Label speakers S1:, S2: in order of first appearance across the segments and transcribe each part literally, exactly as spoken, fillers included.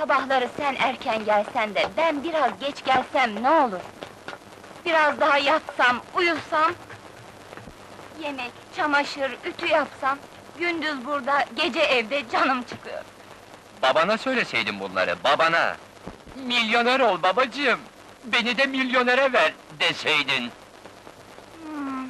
S1: Sabahları sen erken gelsen de, ben biraz geç gelsem ne olur? Biraz daha yatsam, uyusam... Yemek, çamaşır, ütü yapsam... Gündüz burada, gece evde canım çıkıyor.
S2: Babana söyleseydin bunları, babana! Milyoner ol babacığım! Beni de milyonere ver deseydin!
S1: Hmm.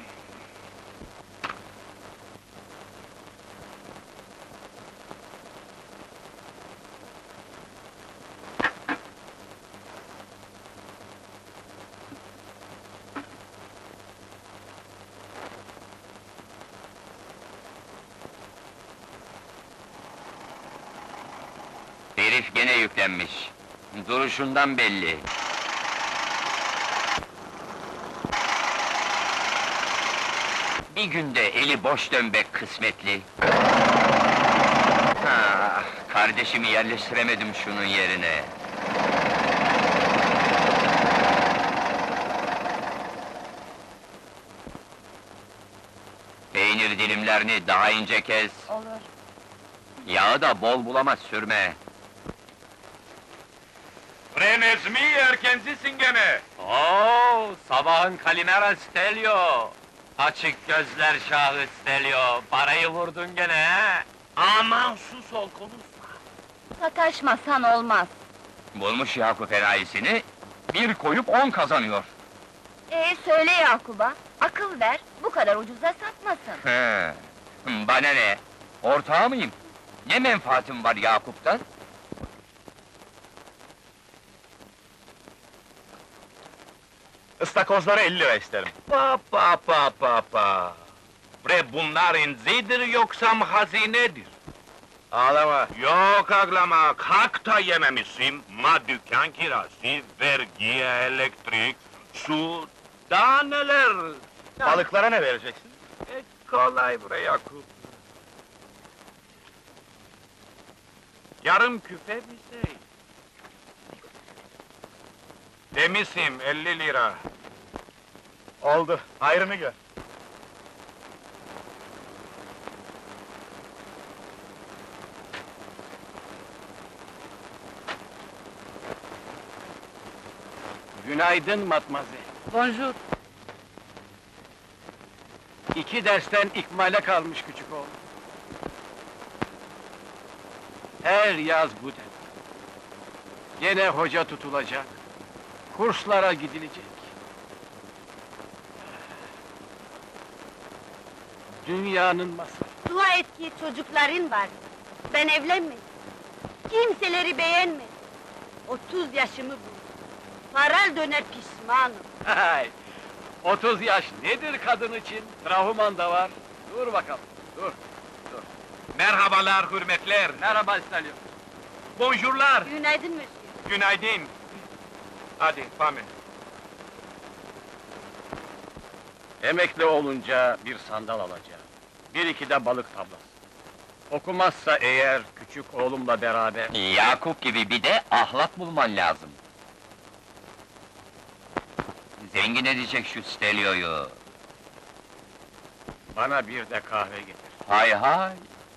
S2: Herif gene yüklenmiş. Duruşundan belli. Bir günde eli boş dönmek kısmetli. Ha, kardeşimi yerleştiremedim şunun yerine. Peynir dilimlerini daha ince kes.
S1: Olur.
S2: Yağı da bol bulamaz sürme.
S3: Renezmi erkencisin gene!
S2: Oo, sabahın Kalimera Stelio! Açık gözler şahı Stelio, parayı vurdun gene he!
S3: Aman sus ol, konuşma!
S1: Sataşmasan olmaz.
S2: Bulmuş Yakup enayisini, bir koyup on kazanıyor.
S1: Ee, söyle Yakup'a, akıl ver, bu kadar ucuza satmasın.
S2: He, bana ne? Ortağı mıyım? Ne menfaatim var Yakup'tan?
S3: Istakozları elli lira isterim. Pa pa pa pa pa! Bre bunlar inzidir yoksa hazinedir? Ağlama! Yok ağlama, kalk da yememişsin, ma dükkan kirası, vergi, elektrik, su, daha neler!
S4: Balıklara ne vereceksin?
S3: E, kolay bre Yakup! Yarım küfe bir şey. Demişim elli lira.
S4: Oldu, hayrını gör.
S5: Günaydın matmazel.
S1: Bonjour.
S5: İki dersten ikmale kalmış küçük oğlum. Her yaz bu dem. Gene hoca tutulacak. Kurslara gidilecek. Dünyanın masrafı.
S6: Dua et ki çocukların var. Ben evlenmedim. Kimseleri beğenmedim. Otuz yaşımı buldum. Paral döner pişmanım.
S5: Hay! Otuz yaş nedir kadın için? Trahuman da var. Dur bakalım, dur.
S3: Merhabalar, hürmetler.
S5: Merhaba İstalyo.
S3: Bonjourlar.
S6: Günaydın monsieur.
S3: Günaydın. Hadi, Pame.
S5: Emekli olunca bir sandal alacağım. Bir iki de balık tablası. Okumazsa eğer küçük oğlumla beraber...
S2: Yakup gibi bir de ahlak bulman lazım. Zengin edecek şu Stelio'yu.
S5: Bana bir de kahve getir.
S2: Hay hay!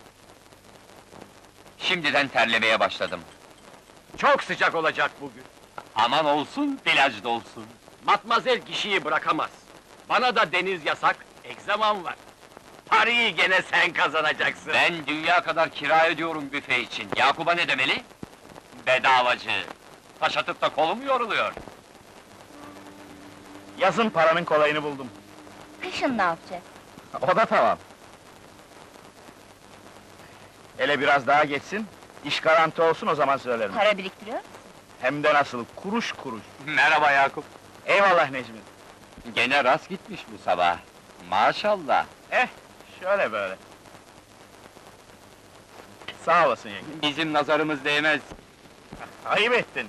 S2: Şimdiden terlemeye başladım.
S5: Çok sıcak olacak bugün.
S2: Aman olsun, plaj dolsun.
S5: Matmazel kişiyi bırakamaz. Bana da deniz yasak, egzamam var. Parayı gene sen kazanacaksın.
S2: Ben dünya kadar kira ödüyorum büfe için. Yakup'a ne demeli? Bedavacı. Taş atıp da kolum yoruluyor.
S4: Yazın paranın kolayını buldum.
S1: Kışın ne yapacağız?
S4: O da tamam. Hele biraz daha geçsin, iş garanti olsun o zaman söylerim.
S1: Para biriktiriyor musun?
S4: Hem de nasıl, kuruş kuruş.
S2: Merhaba Yakup.
S4: Eyvallah Necmi.
S2: Gene rast gitmiş bu sabah. Maşallah.
S4: Eh, şöyle böyle. Sağ olasın yenge.
S2: Bizim nazarımız değmez.
S4: Ayıp ettin.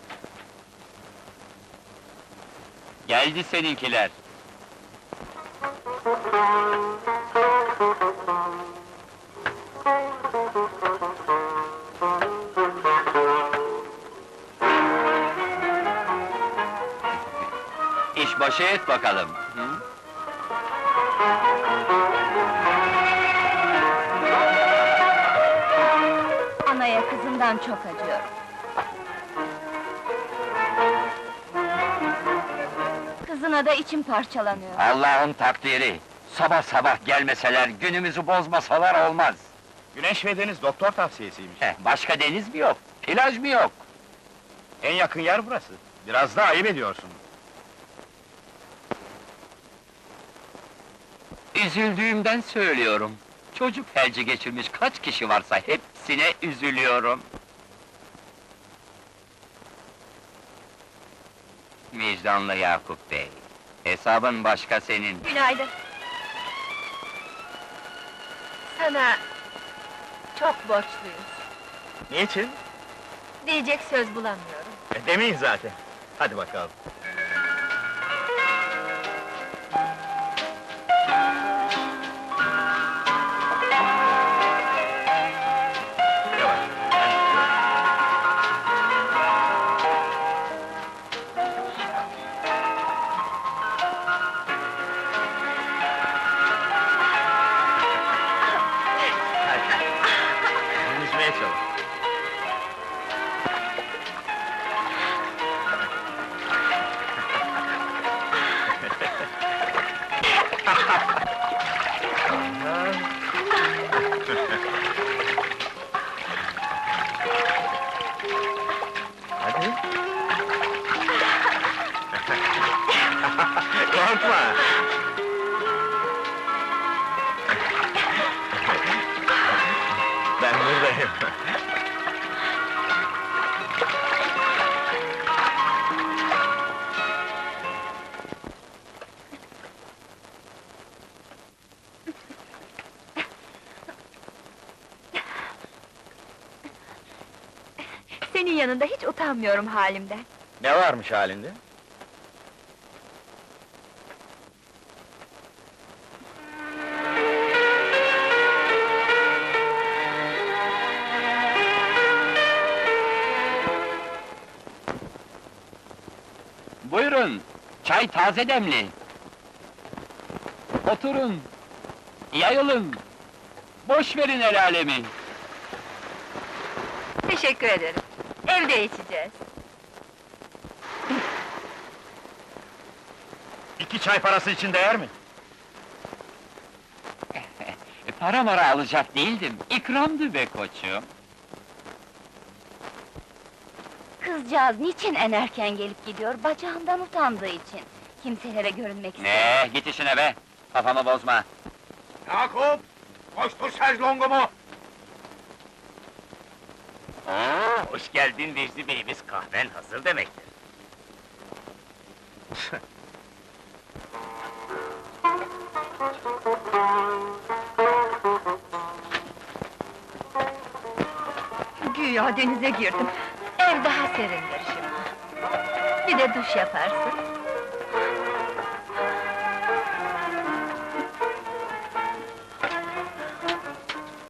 S2: Geldi seninkiler. İş başı et bakalım. Hı?
S1: Anaya kızından çok acıyorum. Buna da içim parçalanıyor.
S2: Allah'ın takdiri. Sabah sabah gelmeseler, günümüzü bozmasalar olmaz.
S4: Güneş ve deniz doktor tavsiyesiymiş.
S2: Heh, başka deniz mi yok? Plaj mı yok?
S4: En yakın yer burası. Biraz da ayıp ediyorsun.
S2: Üzüldüğümden söylüyorum. Çocuk felci geçirmiş kaç kişi varsa hepsine üzülüyorum. Vicdanlı Yakup Bey, hesabın başka senin.
S1: Günaydın. Sana çok borçluyuz.
S4: Niçin?
S1: Diyecek söz bulamıyorum.
S4: E, demeyin zaten. Hadi bakalım. Yavaş. Ben tutuyorum. Hadi. Yüzmeye çalış. Hadi. Korkma. Ben buradayım.
S1: Senin yanında hiç utanmıyorum halimden.
S4: Ne varmış halinde?
S2: Buyurun, çay taze demli. Oturun, yayılın. Boş verin el alemi.
S1: Teşekkür ederim. Evde içeceğiz.
S4: İki çay parası için değer mi?
S2: E, para mara alacak değildim, ikramdı be koçum.
S1: Kızcağız niçin en erken gelip gidiyor? Bacağından utandığı için. Kimselere görünmek istemiyor.
S2: Ne, git işine be, kafamı bozma.
S3: Yakup! Koştur şezlongumu!
S2: Oo, hoş geldin Vecdi Bey'imiz, kahven hazır demektir.
S1: Güya denize girdim. Ev daha serindir şimdi. Bir de duş yaparsın.